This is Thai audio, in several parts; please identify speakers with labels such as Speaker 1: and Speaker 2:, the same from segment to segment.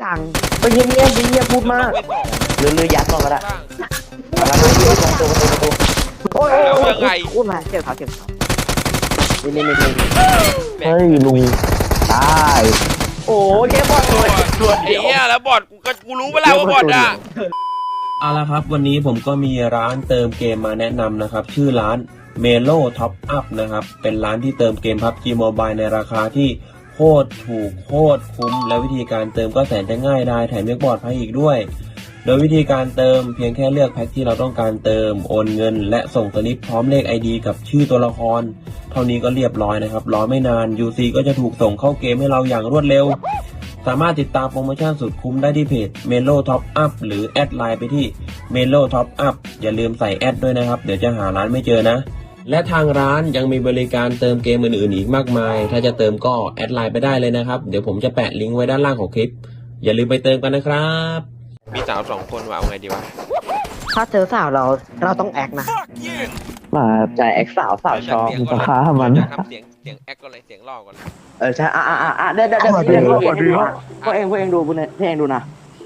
Speaker 1: ถังไปเงียบๆเงียบพูดมากหรือยัดก่อนก็ได้แล้วก็ยืนตรงตัวประตูโอ้ยพูดมาเจ็บเขานี่
Speaker 2: เฮ้ยลุงตาย
Speaker 1: โอ้ยแค่บอลตัว
Speaker 3: ไอ้เหี้ยแล้วบอดกูรู้ไปแล้วว่าบอดอ่ะ
Speaker 4: เอาละครับวันนี้ผมก็มีร้านเติมเกมมาแนะนำนะครับชื่อร้าน Melo Top Up นะครับเป็นร้านที่เติมเกม PUBG Mobile ในราคาที่โคตรถูกโคตรคุ้มและวิธีการเติมก็แสนจะง่ายได้แถมยังปลอดภัยอีกด้วยโดยวิธีการเติมเพียงแค่เลือกแพ็คที่เราต้องการเติมโอนเงินและส่งสลิปพร้อมเลข ID กับชื่อตัวละครเท่านี้ก็เรียบร้อยนะครับรอไม่นาน UC ก็จะถูกส่งเข้าเกมให้เราอย่างรวดเร็วสามารถติดตามโปรโมชั่นสุดคุ้มได้ที่เพจ Melo Top Up หรือแอดไลน์ไปที่ Melo Top Up อย่าลืมใส่แอดด้วยนะครับเดี๋ยวจะหาร้านไม่เจอนะและทางร้านยังมีบริการเติมเกมอื่นๆอีกมากมายถ้าจะเติมก็แอดไลน์ไปได้เลยนะครับเดี๋ยวผมจะแปะลิงก์ไว้ด้านล่างของคลิปอย่าลืมไปเติมกันนะครับ
Speaker 3: มีสาว2 คนว่ะเอาไงดีวะ
Speaker 1: ถ้าเจอสาวเราต้องแอคนะ
Speaker 2: มา
Speaker 1: ใจแอคสาวชอบ
Speaker 2: ราคามัน
Speaker 3: ทำเสียงแอคก่อนเลยเสียงล่อก่อน
Speaker 1: ใช่เดี๋ยวพวกเองดูพวกเองดูนะ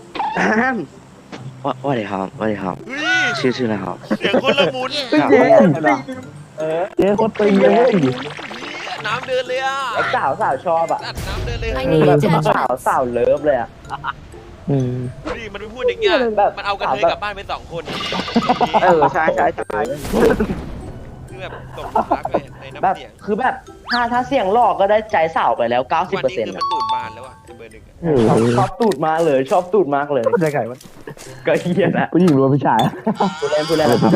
Speaker 5: ว่าดีครับชื่ออะไรครับ
Speaker 3: เสียงคนละมุน
Speaker 2: เจ๊โคตรตึงเลย
Speaker 3: น้ำเดินเลยอ่ะ
Speaker 1: ไอ้สาวชอบอ่ะ
Speaker 3: น้ำเดินเลย
Speaker 1: แบบสาวเลิฟเลยอ่ะ
Speaker 3: นี่มันไปพูดอย่างเงี้ยมันเอากันเลยกลับบ้านไป2 คน
Speaker 1: ใช่
Speaker 3: คือแบบตกรักเลยในน้ำเสียง
Speaker 1: คือแบบถ้าเสียงหลอกก็ได้ใจสาวไปแล้ว 90%
Speaker 3: วันนี้คือมันตูดบานแล้วอ่ะเบอร์หนึ่ง
Speaker 1: ชอบตูดมากเลยชอบตูดมากเลย
Speaker 2: ใจไก่วะ
Speaker 1: ก็เฮียนะ
Speaker 2: ผู้หญิงหรือผู้ชาย
Speaker 1: พูดเล่น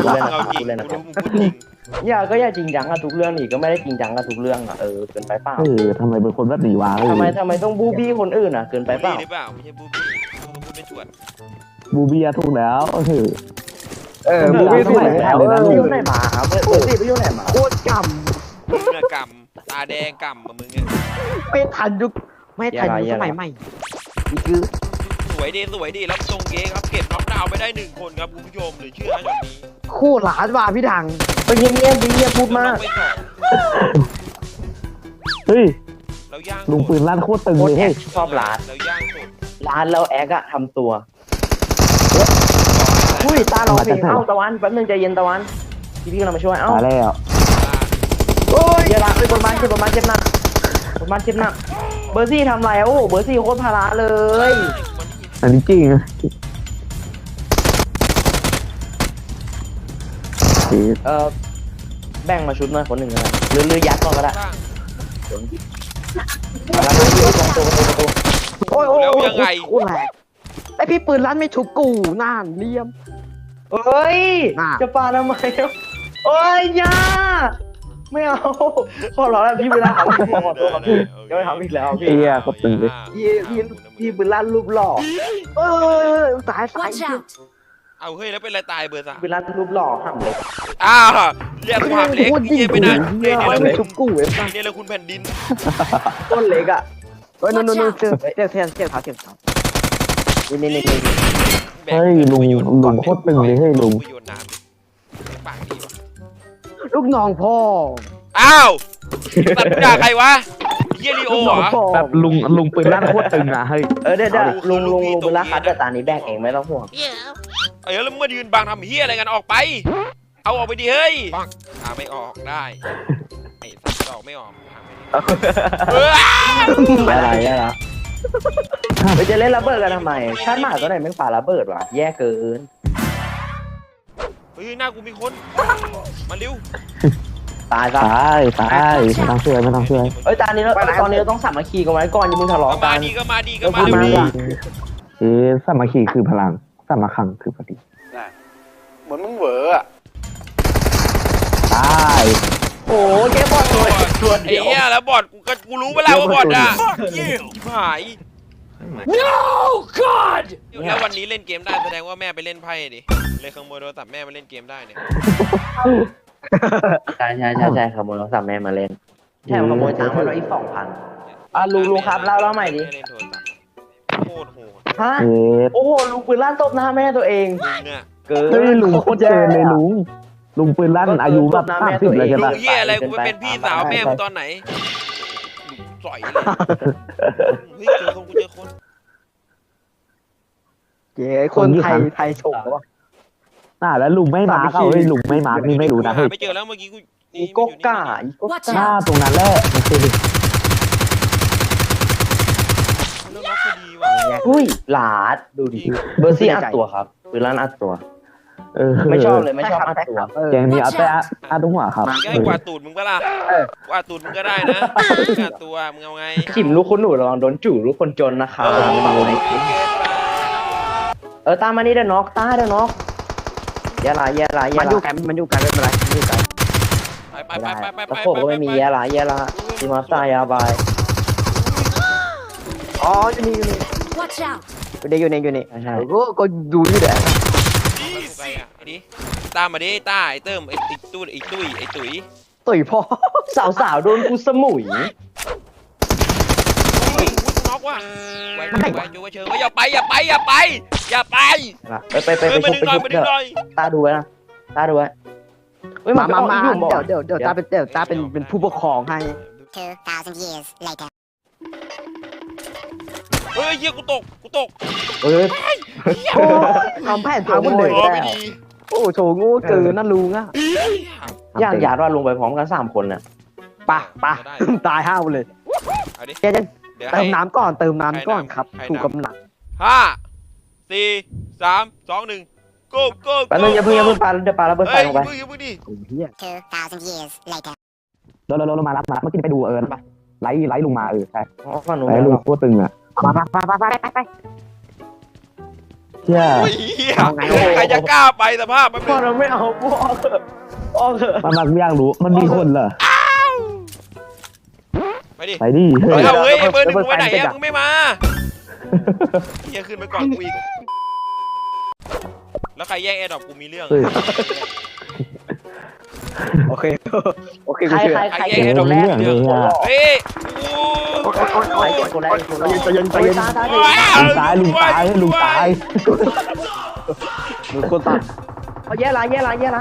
Speaker 1: อย่าจริงจังกับทุกเรื่องนี่ก็ไม่ได้จริงจังกับทุกเรื่องอ่ะเกินไปเปล่า
Speaker 2: ทำไมเป็นคนแบบนี้วะ
Speaker 1: ทำไมต้องบูบี้คนอื่นอ่ะเกินไปเปล่า
Speaker 3: ไม่ใช่บูบี้พูดไม่ชวน
Speaker 2: บูบี้ถูกแล้ว
Speaker 1: บูบี้ถูกแล้วไปอยู่ไหนมาครับเบอร์สี่ไปอยู่ไหนมาโคตรกำ
Speaker 3: มึงอะกำตาแดงกำมามึงเนี่ย
Speaker 1: ไม่ทันยุคสมัยใหม่นี่คือ
Speaker 3: สวยดีแล้วตรงเก๊ครับเก็บน็อกดาวน์ไปได้1 คนครับคุณผู้ชมหรือเชื่อแบบนี้
Speaker 1: คู่หลานว่าพี่ดังไปเงียบพูดมาก
Speaker 2: เฮ้ย
Speaker 3: เราย่าง
Speaker 2: ลุงปืนลั่นโคตรตึงเลยเฮ้ย
Speaker 1: ชอบร้าน
Speaker 3: เราย่างสุด
Speaker 1: ร้านเราแอกอะทำตัวอุ้ยตาเราเพลงตะวันแป๊บนึงใจเย็นตะวันพี่กำลังมาช่วย
Speaker 2: มาแล้ว
Speaker 1: โอ้ยอย่าละไปบนบ้านเจ็บหนักเบอร์ซี่ทำไรโอ้เบอร์ซี่โคตรพาราเลย
Speaker 2: อันนี้จริง
Speaker 1: แบ่งมาชุดหน่อยคนหนึ่งนะหรือยัดก่อนก็ได้โอ้ย
Speaker 3: ยังไง
Speaker 1: ไอพี่ปืนลั่นไม่ชุบกูน่านเลี่ยมเอ้ยจะปาทำไมโอ้ยยาไม่เอาขอร้องแล้วพี่เวลาขอตัวพี่จะไม่ทำอีกแล้วพี่
Speaker 2: ก็ตึงเลย
Speaker 1: พี่ปืนลั่นรูปหล่อตาย
Speaker 3: เอาเฮ้ยแล้วเป็นอะไรตายเบอร์ 3
Speaker 1: ปืนลั่นรูปหล่อห้ามเลย
Speaker 3: เรียกความเล็กเยี่ยไปนะเนี่ย
Speaker 1: เราชุบกูเว้ย
Speaker 3: เนี่ยเราคุณแผ่นดิน
Speaker 1: ต้นเล็กอ่ะนู่นเจ็บขานี่
Speaker 2: เฮ้ยลุงโคตรตึงเลยเฮ้ยลุง
Speaker 1: ลูกน้องพ่อ
Speaker 3: อ้าวตัดด่าใครวะเฮียริโอเหรอ
Speaker 2: แบบลุงปืนลั่นโคตรตึงอ่ะเฮ้ย
Speaker 1: เดี๋ยวลุงปืนลั่นคัดแต่ตานี้แบกเองไม่ต้องห่วง
Speaker 3: แล้วมายืนบังทำเฮียอะไรกันออกไปเอาออกไปดิเฮ้ยไม่ออกได้ไอ้สัตว์ออกไม่ออก
Speaker 2: อะไร
Speaker 1: จะเล่นระเบิดกันทำไมชาติหมาตัวไหนไม่ฝ่าระเบิดวะแย่เกิน
Speaker 3: เฮ้ยหน้ากูมีคนมาเร็ว
Speaker 1: ตาย
Speaker 2: ไม่ต้องช่วย
Speaker 1: ตอนนี้เราต้องสามัคคีกันไว้ก่อนอย่ามึงทะเลาะกัน
Speaker 3: ก็มาดี
Speaker 2: สามัคคีคือพลังสามัคคังคือพอดี
Speaker 3: เหมือนมึงเหวอ
Speaker 2: ตาย
Speaker 1: โอ้แกบอดตัว
Speaker 3: เดียวไอ้เหี้ยแล้วบอดกูรู้ไปแล้วว่าบอดอ่ะชิบหาย No God แล้ววันนี้เล่นเกมได้แสดงว่าแม่ไปเล่นไพ่ดิเลยขโมยโทรศัพท์แม่มาเล่นเกมได้เนี่ย
Speaker 1: ใช่ขโมยโทรศัพท์แม่มาเล่นแถมขโมยตังค์ไปแล้วอีก 2,000ลุงครับเล่าใหม่ดิ
Speaker 3: โคตรโหด
Speaker 1: ฮะโอ้โหลุงปืนลั่นตบหน้าแม่ตัวเอง
Speaker 2: เฮ้ยลุงโคตรเจนเลยลุงปืนลั่นอายุแบบ30เลยใช่ปะ
Speaker 3: ลุงเหี้ยอะไรกูไปเป็นพี่สาวแม่มึงตอนไหนสอยเลยเฮ้ยเจอคน
Speaker 1: เย้คนไทยชมวะ
Speaker 2: แล้วลุงไม่มาร์กเอาเฮ้ยลุงไม่มาร์กนี่ไม่รู้นะ
Speaker 3: หา
Speaker 2: เฮ้ย
Speaker 3: ไม่เจอแล้วเมื่อกี้กู
Speaker 1: อีโกก้าอีโก
Speaker 6: Watch
Speaker 2: หน้า
Speaker 6: out!
Speaker 2: ตรงนั้นแหละมันคือ
Speaker 3: เรื่องน็อกพอดีว่ะ
Speaker 1: อุ้ยหลาดดูดิเบอร์ซี่อัดตัวครับปืนลั่นอัดตัว ไม่ชอบเลยไม่ชอบอัดตัว
Speaker 2: แกงนี้เอาแต่อาตุ้งหัวครับ
Speaker 3: มึงจะให้กวาดตูดมึงปะล่ะกวาดตูดมึงก็ได้นะกวาดตัวมึงเอาไง
Speaker 1: จิ๋มลูกคนหนูระวังโดนจู่ลูกคนจนนะคะ
Speaker 3: เออ
Speaker 1: ตามมานี่เด้อน็อกตาเด้อน็อกแย่ละมันอยู่กันไม่เป็นไรมันอยู่กัน
Speaker 3: ไป
Speaker 1: ตะโขบก็ไม่มีแย่ละจิมาตายาบายอ๋ออยู่นี่
Speaker 6: Watch out!
Speaker 1: อยู่นี่ใช่ก็ดูนี่แหละ
Speaker 3: ไปอ่ะไอ้ดิตามมาดิต้าไอ้เติมไอ้ตุ้ยไอ้ตุ๋ย
Speaker 1: ต่อยพ่อสาวโดนกูสมุย
Speaker 3: อุ้ยน็อกว่ะไว้จูเชิงอย่าไปไป
Speaker 1: ไปชุบเถอะตาดูไว้นะตาดูไว้มาเดี๋ยวตาเป็นผู้ปกครองให้
Speaker 6: 2,000 years later.
Speaker 3: เฮ้ยเฮียกูตก
Speaker 1: โอ้ทำแผนพังหมดเลยโอ้โชว์งูเกินนั่นลุงอ่ะอยากว่าลงไปพร้อมกัน3คนน่ะป่ะตาย5เลย
Speaker 3: เอาดิ
Speaker 1: เดี๋ยวเติมน้ำก่อนครับถูกกำลัง
Speaker 3: 5 4 3 2 1 go
Speaker 1: แป๊บนึงอย่าเพิ่งปาเดี๋ยวปาระเบิดไฟลงไป
Speaker 3: อย่าเพิ่งดิ
Speaker 1: โอ้เหี้ย
Speaker 6: 2,000 years later.
Speaker 2: เรามารับเมื่อกี้ไปดูไลฟ์ลุงมาใช่
Speaker 1: อ๋อฝั่งนู้น
Speaker 2: ไลฟ์ลุงโคตรตึงอ่ะ
Speaker 1: ไป
Speaker 2: เชี่ย
Speaker 3: ใครจะกล้าไปสภาพมัน
Speaker 1: พ่อเราไม่เอาพ่อเถอะ
Speaker 2: มันอยากรู้มันมีคนเหรอ
Speaker 3: ไปดิ
Speaker 2: ไปดิ
Speaker 3: เฮ้ยเบอร์ 1มึงไปไหนอ่ะมึงไม่มาเฮียขึ้นไปก่อนกูอีกแล้วใครแย่งแอร์ดรอปกูมีเรื่อง
Speaker 1: โอเคใคร
Speaker 3: ใครแย่งแอร์ดรอปแรกเรื่องเฮ้ย
Speaker 1: ใครเก็บคนแรกใจเย็น
Speaker 2: ลุงตายลุงคนตัด
Speaker 1: แย่ละ
Speaker 2: แย่ละ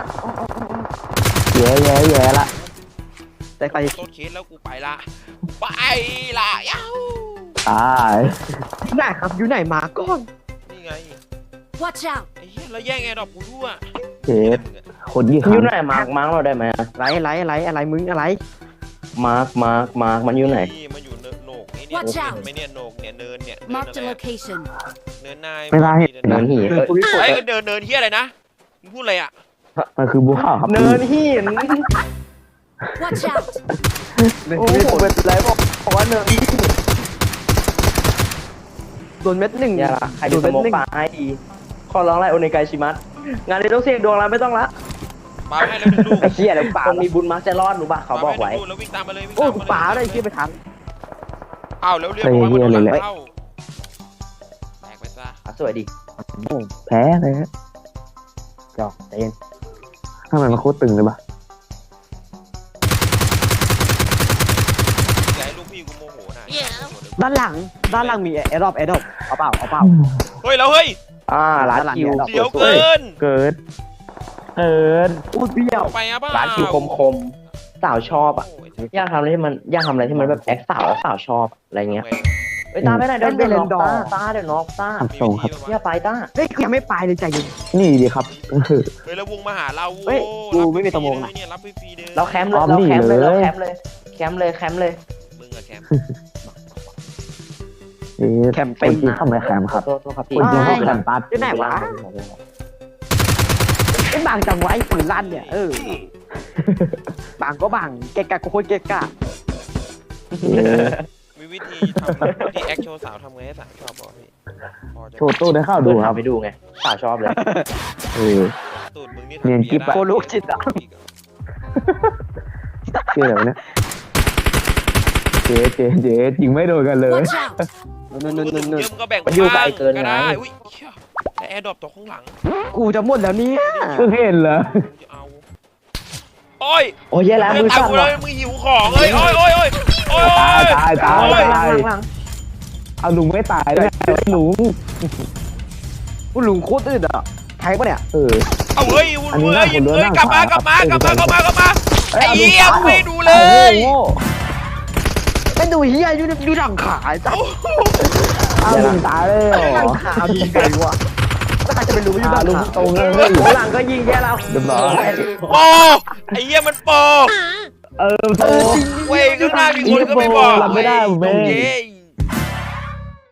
Speaker 1: แต่ใคร
Speaker 3: ต้นเคสแล้วกูไปละย้าว
Speaker 2: ตาย
Speaker 1: ไหนครับอยู่ไหนมาก่อน
Speaker 3: นี่ไง
Speaker 6: Watch out!
Speaker 3: ไอ้เหี้ยแล้วแย่งแอร์ดรอปกูด้วย
Speaker 2: เจ็บคนยี่ห้อ
Speaker 1: อยู่ไหนมาร์กเราได้ไหมอะไรมึงอะไรมาร์กมันอยู่ไหน
Speaker 3: มันอยู่โหนกนี่เนี่ยไม่เนี่ยโหนกเนี่ยเนินเนี่ย
Speaker 6: Mark the location.
Speaker 3: เนินนาย
Speaker 2: ไม่ได้
Speaker 1: เนินหิน
Speaker 3: ไอ้เนินเฮียอะไรนะมึงพูดอะไรอ่ะ
Speaker 2: มันคือบัวขาวครับ
Speaker 1: เนินหิน
Speaker 6: Watch out!
Speaker 1: โอ้โหเป็นไรบอกว่าเนินหินโดนเม็ดหนึ่งใครโดนเม็ดหนึ่งไอดีขอร้องไล่โอเนกายชิมัสงานนี้ต้องเสี่ยงดวงแล้วไม่ต้องละ
Speaker 3: ปาให้แล้วดึงลูก
Speaker 1: ไอ้เหี้ยเดี๋ยวป่าคนมีบุญมักจะรอดหนูป่ะเขาบอกไว้
Speaker 3: แล้ววิ่งตามมาเลย
Speaker 1: โอ้ป่าอะไรเหี้ยไปทัน
Speaker 3: อ้าวแล้วเรียกว่ามันหลังเข้าแตกไปซะ
Speaker 1: สวยดิ
Speaker 2: แพ้เลยฮะ
Speaker 1: จอกใจเย็น
Speaker 2: ทำไมมันโคตรตึงเลยปะ
Speaker 3: อย่าให้ลูกพี่กูโมโหนะ
Speaker 1: ด้านหลังมีแอร์ดรอปเอาเปล่า
Speaker 3: เฮ้ยแล้วเฮ้ย
Speaker 1: ร้านคิว
Speaker 3: เดี๋ยวเกิน
Speaker 2: เกิด
Speaker 1: อู้เบี้ยว
Speaker 3: ไปอ่ะบ้า
Speaker 1: ร้านคิวคมสาวชอบอ่ะอยากทำอะไรที่มันแบบแอคสาวแล้วสาวชอบอะไรเงี้ยไปตาไปไหนเดินเล่นดอตาเดี๋ยวน็อกตา
Speaker 2: ส่งครับ
Speaker 1: อย่าไปตาเฮ้ยยังไม่ไปเลยใจเย็น
Speaker 2: นี่ดีครับ
Speaker 3: เฮ้ยแล้ววงมาหาเรา เนี่ยรับฟรีเด้อ
Speaker 1: เราแคมป์เลยแคมป์เลยมึงอะแคมป์
Speaker 2: แคมเป็นที่เข้ามาแคมครับ
Speaker 1: โทษครับพี่
Speaker 2: คนที่เข้าแคมปัส
Speaker 1: ที่ไหนวะไอ้บางจังไว้ปืนลั่นเนี่ยบางก็บางเกะกะก็โคตรเกะกะ
Speaker 3: มีวิธีทำวิธีแอคโชว์สาวทำไงให้สาวชอบบอกพี่
Speaker 2: โชว์ตู้ได้เข้าดูครับ
Speaker 1: ไปดูไงสาวชอบเลย
Speaker 3: ตูดมึงนี่
Speaker 2: เนียนกิ๊บอะ
Speaker 1: โคลูกจิตอ่ะ
Speaker 2: เชื่อแบบนี้เจ๊ยิงไม่โดนกันเลย
Speaker 6: Watch out!
Speaker 3: มึงก็แบ่งก็ได้อุ้ยแต่แอร์ดรอปตกข้างหลัง
Speaker 1: กูจะหมดแล้วเนี่ย
Speaker 2: เพิ่งเห็นเหรอ
Speaker 3: จะเอาโอ้ย
Speaker 1: โอ้ยแย่แล้วมือสั่น
Speaker 3: เลยมึงหิวของเลยโอ้ย
Speaker 2: ตายเอาลุงไม่ตายด้วยลุง
Speaker 1: กูลุงโคตรอึดอ่ะใครปะเนี่ย
Speaker 3: เอาเฮ้ยกลับมาไอ้เหี้ยไม่ดูเลย
Speaker 1: ไม่ดูเฮียดูหลังขาจ้ะ
Speaker 2: เอาลุงตายเลยเหร
Speaker 1: หลั
Speaker 2: อง
Speaker 1: ขาดูไงวะใครจะไปรู้อยู่ด้าน
Speaker 2: ลุง
Speaker 1: หลัง
Speaker 2: ตรงเลย
Speaker 1: หลังก็ยิงแย่แล้ว
Speaker 2: เรียบร้อย
Speaker 3: โปไอ้เหี้ยมันโป
Speaker 2: โต
Speaker 3: เว้ยข้างหน้ามีคนก็ไม่บอก
Speaker 2: รับไม่ได้ผมเอง
Speaker 3: เย้